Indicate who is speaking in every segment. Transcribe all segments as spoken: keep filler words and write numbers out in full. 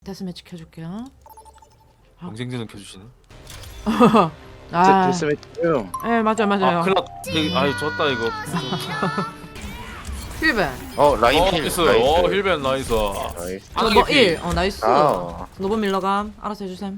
Speaker 1: 데스매치 켜줄게요.
Speaker 2: 경쟁전은 켜주시네.
Speaker 1: 아,
Speaker 3: 데스매치요.
Speaker 1: 예 맞아요 맞아요.
Speaker 2: 아 클럽. 아유 졌다 이거.
Speaker 1: 힐벤.
Speaker 3: 어 라인
Speaker 2: 어
Speaker 3: 필.
Speaker 2: 나이스.
Speaker 3: 나이스.
Speaker 2: 어 힐벤 나이스.
Speaker 3: 나이스.
Speaker 1: 노버 일. 어 나이스.
Speaker 3: 아.
Speaker 1: 노버 밀러감. 알아서 해주셈.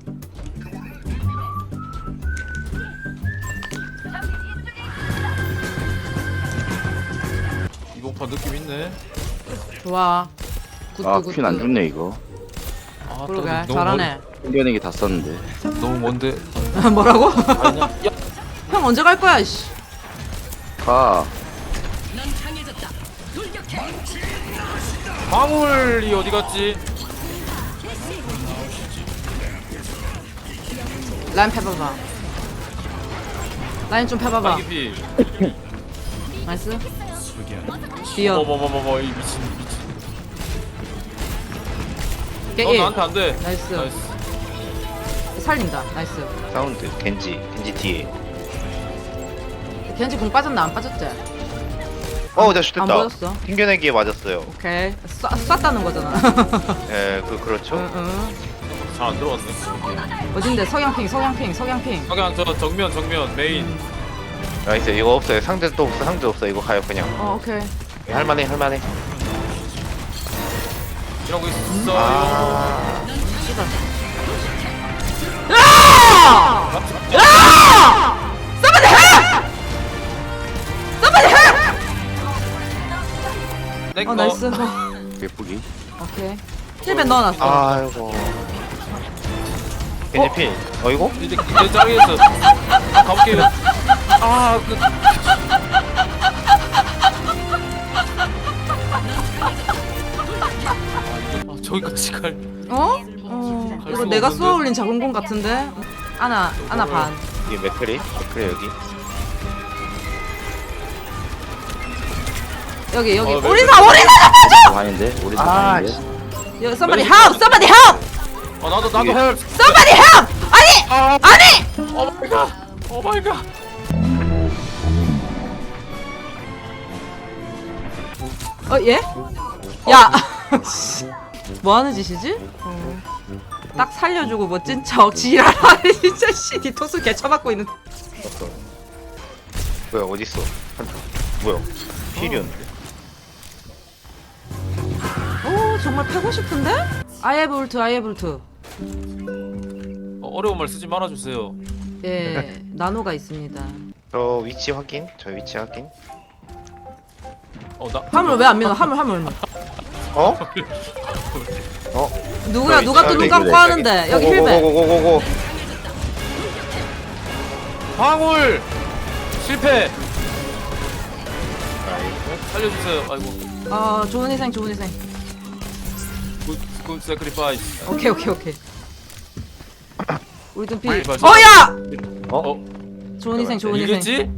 Speaker 2: 이번 판 느낌 있네.
Speaker 1: 좋아. 굿,
Speaker 3: 아
Speaker 1: 굿,
Speaker 3: 퀸 안
Speaker 1: 굿.
Speaker 3: 좋네 이거.
Speaker 2: 아, 또
Speaker 1: 그러게
Speaker 2: 너무
Speaker 1: 잘하네.
Speaker 3: 생겨내기 다 썼는데.
Speaker 2: 먼, 너무 먼데.
Speaker 1: 뭐라고?
Speaker 2: 아니야. 야.
Speaker 1: 형 언제 갈 거야 씨.
Speaker 3: 가.
Speaker 2: 방울이 어디 갔지?
Speaker 1: 라인 패봐봐. 라인 좀 패봐봐.
Speaker 2: 아기피.
Speaker 1: 나이스. 뛰어.
Speaker 2: 뭐뭐뭐뭐 이 미친 미친.
Speaker 1: 깨
Speaker 2: 너
Speaker 1: 일.
Speaker 2: 나한테 안 돼.
Speaker 1: 나이스.
Speaker 2: 나이스.
Speaker 1: 살린다. 나이스.
Speaker 3: 사운드 겐지 겐지 뒤에.
Speaker 1: 겐지 공 빠졌나 안 빠졌지?
Speaker 3: 어, 나
Speaker 1: 안
Speaker 3: 슛됐다.
Speaker 1: 보였어.
Speaker 3: 튕겨내기에 맞았어요.
Speaker 1: 오케이. 쏴, 쐈다는 거잖아.
Speaker 3: 예, 그 그렇죠.
Speaker 1: 응, 응.
Speaker 2: 잘 안 들어왔네.
Speaker 1: 어딘데? 석양핑, 석양핑, 석양핑.
Speaker 2: 그냥 저 정면 정면 메인.
Speaker 3: 나이스. 이거 없어요. 상대 또 없어. 상대 없어. 이거 가요 그냥.
Speaker 1: 어, 오케이.
Speaker 3: 할만해, 할만해.
Speaker 2: 이러고 있어.
Speaker 3: 아.
Speaker 1: 씨발. 야! 야! Somebody help! Somebody help!
Speaker 2: 내
Speaker 1: 어,
Speaker 2: 거.
Speaker 1: 나이스.
Speaker 3: 예쁘기.
Speaker 1: 오케이. 힐벤 넣어놨어.
Speaker 3: 아이고. 겐지 필. 어 이거?
Speaker 2: 이제 이제 짱이었어. 가볼게요. 아 그. 아 저기까지 갈.
Speaker 1: 어? 어.
Speaker 2: 갈
Speaker 1: 이거
Speaker 2: 수가
Speaker 1: 내가
Speaker 2: 없는데?
Speaker 1: 쏘아올린 작은 공 같은데? 하나, 하나 반.
Speaker 3: 이게 맥크리? 맥크리 여기.
Speaker 1: 여기, 여기.
Speaker 2: 어, 네,
Speaker 1: 오리사, 오리사 잡아줘!
Speaker 3: 아닌데? 우리 다
Speaker 1: 아,
Speaker 3: 아닌데?
Speaker 1: 여기, somebody help! Somebody help!
Speaker 2: 아 나도 나도
Speaker 3: 이게-
Speaker 2: 헬.
Speaker 1: Somebody help! 아니!
Speaker 2: 아
Speaker 1: 아니!
Speaker 2: 오 마이 갓. 오 마이 갓.
Speaker 1: 어, 예? 야! 뭐 하는 짓이지? 어. 딱 살려주고 멋진 척 지랄하네 진짜 씨 디토스 개쳐맞고 있는
Speaker 3: 어떤? 뭐야 어딨어? 한타. 뭐야? 필이었는데.
Speaker 1: 오 정말 패고 싶은데? 아이에볼트 아이에볼트
Speaker 2: 어, 어려운 말 쓰지 말아주세요.
Speaker 1: 예 나노가 있습니다.
Speaker 3: 저 위치 확인. 저 위치 확인.
Speaker 2: 어 나.
Speaker 1: 화물 왜 안 밀어 화물 화물
Speaker 3: 어? 어?
Speaker 1: 누구야 누가 또 눈 감고 하는데 여기 힐베
Speaker 3: 고고고고고고.
Speaker 2: 방울 실패. 살려주세요. 아이고.
Speaker 1: 어 좋은 희생 좋은 희생
Speaker 2: 굿굿 세크리파이스.
Speaker 1: 오케이 오케이 오케이 우리 좀 비.
Speaker 2: 빨리 빨리.
Speaker 1: 어야
Speaker 3: 어?
Speaker 2: 어
Speaker 1: 좋은 희생 좋은 희생
Speaker 2: 이겼지?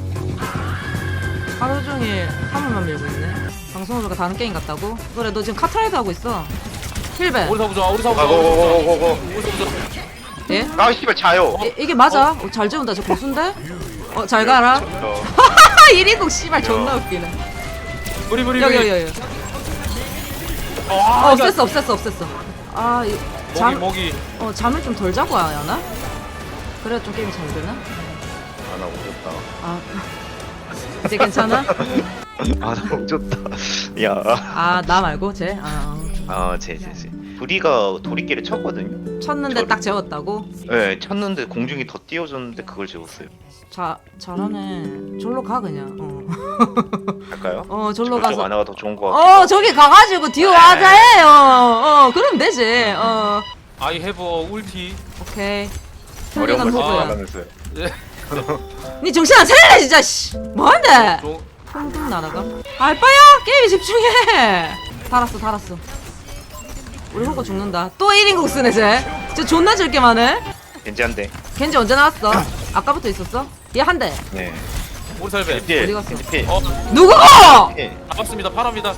Speaker 1: 하루 종일 화물만 밀고 있네. 방송으로가 다른 게임 같다고? 그래 너 지금 카트라이드 하고 있어. 힐베
Speaker 2: 우리 사부자 우리 사부자.
Speaker 3: 아 고고고고고고.
Speaker 2: 우리 사부자.
Speaker 1: 예?
Speaker 3: 아 씨발 자요.
Speaker 1: 이, 이게 맞아? 어, 잘 재운다 저 고수인데? 어 잘 가라.
Speaker 3: 어.
Speaker 1: 하하 일인국 씨발 존나 웃기네.
Speaker 2: 우리 우리
Speaker 1: 여기
Speaker 2: 우리.
Speaker 1: 여기 여기.
Speaker 2: 어,
Speaker 1: 어
Speaker 2: 아,
Speaker 1: 없앴어 없앴어 없앴어. 아 이,
Speaker 2: 목이
Speaker 1: 잠,
Speaker 2: 목이.
Speaker 1: 어 잠을 좀 덜 자고 와야 하나? 그래야 좀 게임이 잘 되나?
Speaker 3: 아나 오졌다.
Speaker 1: 아 이제 괜찮아?
Speaker 3: 아나 오졌다. 야.
Speaker 1: 아 나 말고 쟤? 아 어.
Speaker 3: 아제제제. 부리가 도리끼를 쳤거든요.
Speaker 1: 쳤는데
Speaker 3: 저를-
Speaker 1: 딱 재웠다고?
Speaker 3: 네 쳤는데 공중이 더 띄워줬는데 그걸 재웠어요.
Speaker 1: 자 잘하네. 절로 가 그냥. 어,
Speaker 3: 할까요?
Speaker 1: 어 절로
Speaker 3: 저쪽
Speaker 1: 가서.
Speaker 3: 하나가 더 좋은 거 같아.
Speaker 1: 어 저기 가가지고 뒤로 하자 해. 어, 어 그럼 되지. 어
Speaker 2: I have a ulti.
Speaker 1: 오케이.
Speaker 3: 어려운
Speaker 1: 훌륭한
Speaker 3: 걸
Speaker 1: 호구야.
Speaker 3: 하면서요.
Speaker 2: 예.
Speaker 1: 니 정신 안 차리네 진짜. 씨. 뭐한데?
Speaker 2: 좀
Speaker 1: 퉁퉁 날아가. 알바야 게임에 집중해. 달았어 달았어. 우리 호구 죽는다. 또 일 인국 쓰네 쟤. 쟤 존나 즐게만 해.
Speaker 3: 겐지 한 대.
Speaker 1: 겐지 언제 나왔어? 아까부터 있었어? 얘 한 대.
Speaker 3: 네.
Speaker 2: 우리 살배.
Speaker 3: 필.
Speaker 1: 어디 갔어?
Speaker 3: 겐지 필.
Speaker 2: 어
Speaker 1: 누구고?
Speaker 3: 필.
Speaker 2: 반갑습니다. 파랍니다.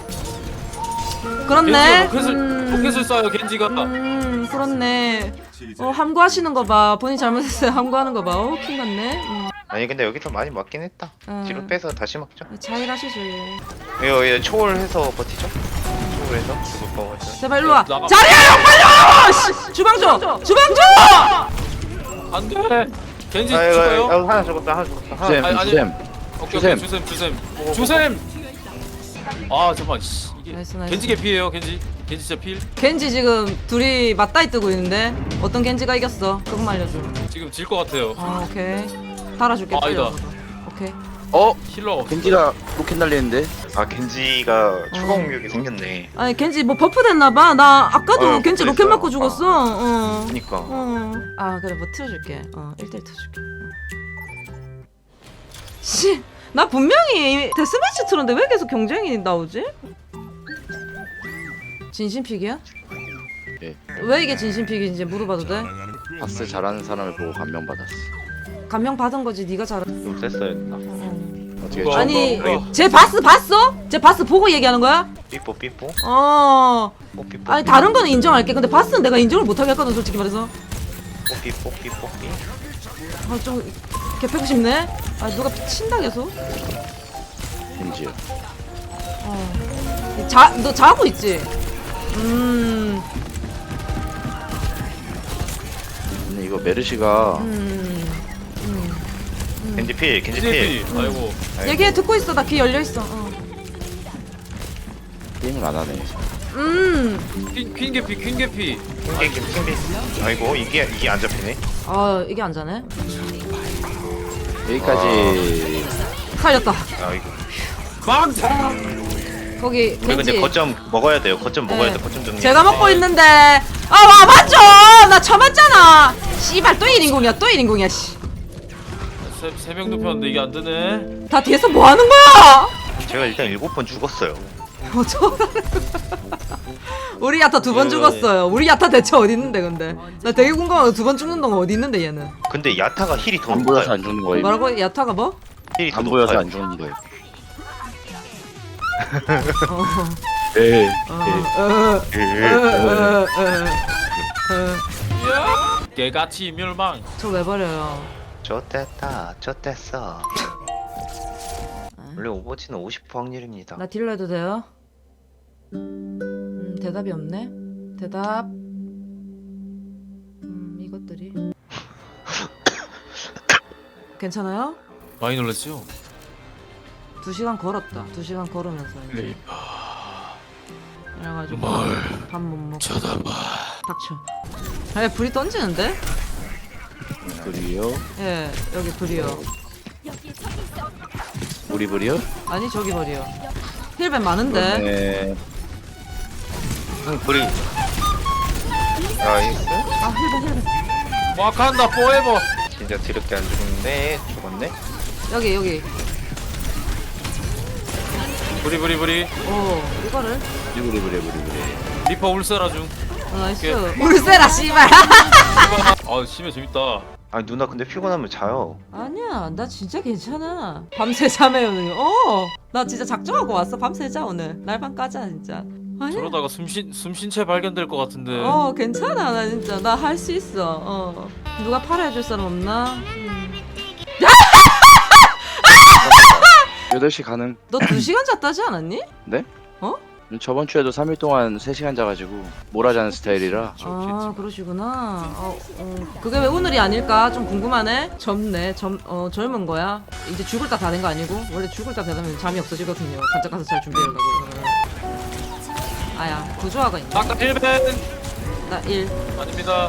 Speaker 1: 그렇네.
Speaker 2: 겐지가 로켓을 로켓을 쏴요 겐지가.
Speaker 1: 음 그렇네. 어 함구하시는 거 봐. 본인 잘못했어요. 함구하는 거 봐. 어 킹 같네. 음.
Speaker 3: 아니 근데 여기서 많이 맞긴 했다.
Speaker 1: 음.
Speaker 3: 뒤로 빼서 다시 막죠.
Speaker 1: 자일하시죠.
Speaker 3: 이거 이거 초월해서 버티죠. 그래서 죽을 거 같아.
Speaker 1: 제발 일로 와.
Speaker 2: 나가.
Speaker 1: 자리야 형 빨리 와. 씨, 주방 줘. 주방 줘.
Speaker 2: 안돼. 겐지
Speaker 3: 아 이거
Speaker 2: 죽어요.
Speaker 3: 이거 하나 죽었다 하나 죽었다. 하나.
Speaker 4: 주셈
Speaker 2: 아니, 아니.
Speaker 4: 주셈
Speaker 2: 오케이
Speaker 4: 주셈.
Speaker 2: 오케이 주셈 주셈 주셈. 아 잠깐 씨 이게
Speaker 1: 나이스, 나이스.
Speaker 2: 겐지 개피예요 겐지. 겐지 진짜 필.
Speaker 1: 겐지 지금 둘이 맞다이 뜨고 있는데 어떤 겐지가 이겼어? 그것만 알려줘.
Speaker 2: 지금 질 것 같아요.
Speaker 1: 아 오케이. 달아줄게.
Speaker 2: 아,
Speaker 1: 빨리
Speaker 2: 아니다.
Speaker 1: 와서. 오케이.
Speaker 4: 어?
Speaker 2: 힐러가 없어.
Speaker 4: 겐지가 로켓 날리는데
Speaker 3: 아 겐지가 추가 공격이 생겼네.
Speaker 1: 아니 겐지 뭐 버프 됐나봐. 나 아까도
Speaker 3: 어,
Speaker 1: 겐지
Speaker 3: 버프
Speaker 1: 로켓
Speaker 3: 됐어요.
Speaker 1: 맞고 죽었어. 어.
Speaker 3: 그니까.
Speaker 1: 어. 아 그래 뭐 틀어줄게. 어 일 대 일 틀어줄게. 씨, 나 분명히 데스매치 틀었는데 왜 계속 경쟁이 나오지? 진심픽이야?
Speaker 4: 예.
Speaker 1: 왜 이게 진심픽인지 물어봐도 돼?
Speaker 4: 바스 잘하는 사람을 보고 감명받았어.
Speaker 1: 감명 받은 거지 네가 잘한.
Speaker 3: 좀 셌어야 했나?
Speaker 4: 어떻게
Speaker 2: 누가-
Speaker 4: 좀-
Speaker 1: 아니
Speaker 3: 어,
Speaker 1: 쟤 바스 봤어? 쟤 바스 보고 얘기하는 거야?
Speaker 3: 삐뽀 삐뽀
Speaker 1: 어.
Speaker 3: 뽀 삐뽀.
Speaker 1: 아니 다른 거는 인정할게. 근데 바스는 내가 인정을 못하게 했거든 솔직히 말해서.
Speaker 3: 뽀 삐뽀 삐뽀 삐.
Speaker 1: 아좀 개패고 싶네. 아 누가 친다 계속.
Speaker 4: 겐지요.
Speaker 1: 어. 자, 너 자고 있지? 음.
Speaker 4: 근데 이거 메르시가
Speaker 1: 음. 음.
Speaker 3: 겐지 필 겐지
Speaker 2: 겐지
Speaker 3: 필.
Speaker 2: 필. 아이고.
Speaker 1: 얘기해 듣고 있어. 나 귀 열려 있어. 어.
Speaker 4: 게임을 안 하네.
Speaker 1: 음.
Speaker 2: 퀸, 퀸 개피 퀸 개피.
Speaker 3: 킹 킹 아이고 이게 이게 안 잡히네.
Speaker 1: 아 이게 안 자네.
Speaker 4: 여기까지.
Speaker 1: 살렸다.
Speaker 3: 아이고.
Speaker 2: 망타.
Speaker 1: 거기
Speaker 3: 우리 근데
Speaker 1: 겐지.
Speaker 3: 거점 먹어야 돼요. 거점 먹어야
Speaker 1: 네.
Speaker 3: 돼. 거점 정리.
Speaker 1: 제가 먹고 있는데. 아 와봤죠. 나 쳐맞잖아. 씨발 또 일 인공이야. 또 일 인공이야. 씨.
Speaker 2: 세명 눕혔는데 이게 안 되네.
Speaker 1: 다 뒤에서 뭐 하는 거야?
Speaker 3: 제가 일단 일곱 번 죽었어요.
Speaker 1: 어쩌 우리 야타 두 번
Speaker 3: 예.
Speaker 1: 죽었어요. 우리 야타 대체 어디 있는데 근데? 나 되게 궁금한 두 번 죽는 동안 어디 있는데 얘는?
Speaker 3: 근데 야타가 힐이 더
Speaker 4: 안 보여서
Speaker 3: 높아요.
Speaker 4: 안 죽는 거예요.
Speaker 1: 뭐라고? 야타가 뭐?
Speaker 3: 힐이 더
Speaker 4: 안 보여서
Speaker 3: 높아요.
Speaker 4: 안 죽는 거예요.
Speaker 1: 어.
Speaker 4: 네.
Speaker 1: 어. 어. 어. 어. 어. 어.
Speaker 2: 개같이 멸망.
Speaker 1: 저 왜 버려요?
Speaker 3: 좋댔다 좋댔어. 원래 오버워치는 오십 퍼센트 확률입니다.
Speaker 1: 나 딜러 해도 돼요? 음, 대답이 없네. 대답. 음, 이것들이. 괜찮아요?
Speaker 2: 많이 놀랐죠?
Speaker 1: 두 시간 걸었다. 두 시간 걸으면서. 이제. 그래가지고 밥 못 먹고.
Speaker 2: 쳐다봐.
Speaker 1: 닥쳐. 아, 불이 던지는데?
Speaker 4: 불이요?
Speaker 1: 예, 여기 불이요.
Speaker 4: 우리 불이요?
Speaker 1: 아니 저기 불이요. 힐벤 많은데.
Speaker 4: 네.
Speaker 3: 응 불이. 나이스.
Speaker 1: 아 힐벤 힐벤.
Speaker 2: 와칸다 포에버.
Speaker 3: 진짜 드럽게 안 죽었네. 죽었네.
Speaker 1: 여기 여기.
Speaker 2: 부리 부리 부리.
Speaker 1: 오 이거를.
Speaker 4: 우리 불이 불이 불이 불이.
Speaker 2: 리퍼 울세라 중.
Speaker 1: 어, 나이스.
Speaker 2: 오케이.
Speaker 1: 울세라 씨발.
Speaker 2: 아 심해 재밌다.
Speaker 3: 아니 누나 근데 피곤하면 자요.
Speaker 1: 아니야, 나 진짜 괜찮아. 밤새 자매요, 어, 나 진짜 작정하고 왔어. 밤새 자 오늘. 날밤 까자 진짜. 아니야.
Speaker 2: 저러다가 숨쉰 숨쉰채 발견될 것 같은데.
Speaker 1: 어, 괜찮아, 나 진짜 나 할 수 있어. 어, 누가 팔아 해줄 사람 없나? 음.
Speaker 4: 여덟 시 가능.
Speaker 1: 너 두 시간 잤다지 않았니?
Speaker 4: 네?
Speaker 1: 어?
Speaker 4: 저번 주에도 삼 일 동안 세 시간 자가지고 몰아자는 스타일이라.
Speaker 1: 아, 그러시구나. 어, 어, 그게 왜 오늘이 아닐까? 좀 궁금하네. 젊네. 젊, 어, 젊은 거야. 이제 죽을 딱 다 된 거 아니고? 원래 죽을 딱 되면 잠이 없어지거든요. 간짝 가서 잘 준비하려고. 아야, 구조화가 있네.
Speaker 2: 아까 힐벤
Speaker 1: 나 일.
Speaker 2: 아닙니다.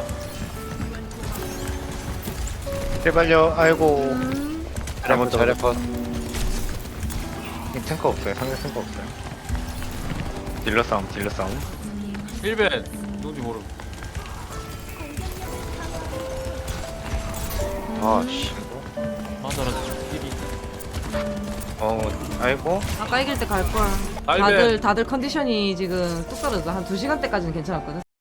Speaker 3: 제발요. 아이고.
Speaker 1: 음,
Speaker 4: 잘해봐 잘해봐.
Speaker 3: 탱커 없어요. 상대 탱커 없어요. 딜러 싸움 딜러 싸움.
Speaker 2: 힐벤 누군지 모르.
Speaker 4: 아씨.
Speaker 2: 아 잘하지. 힐이.
Speaker 3: 어 아이고.
Speaker 1: 아까 이길 때 갈걸.
Speaker 2: 알베.
Speaker 1: 다들, 다들 컨디션이 지금 뚝 떨어져. 한 두 시간대까지는 괜찮았거든.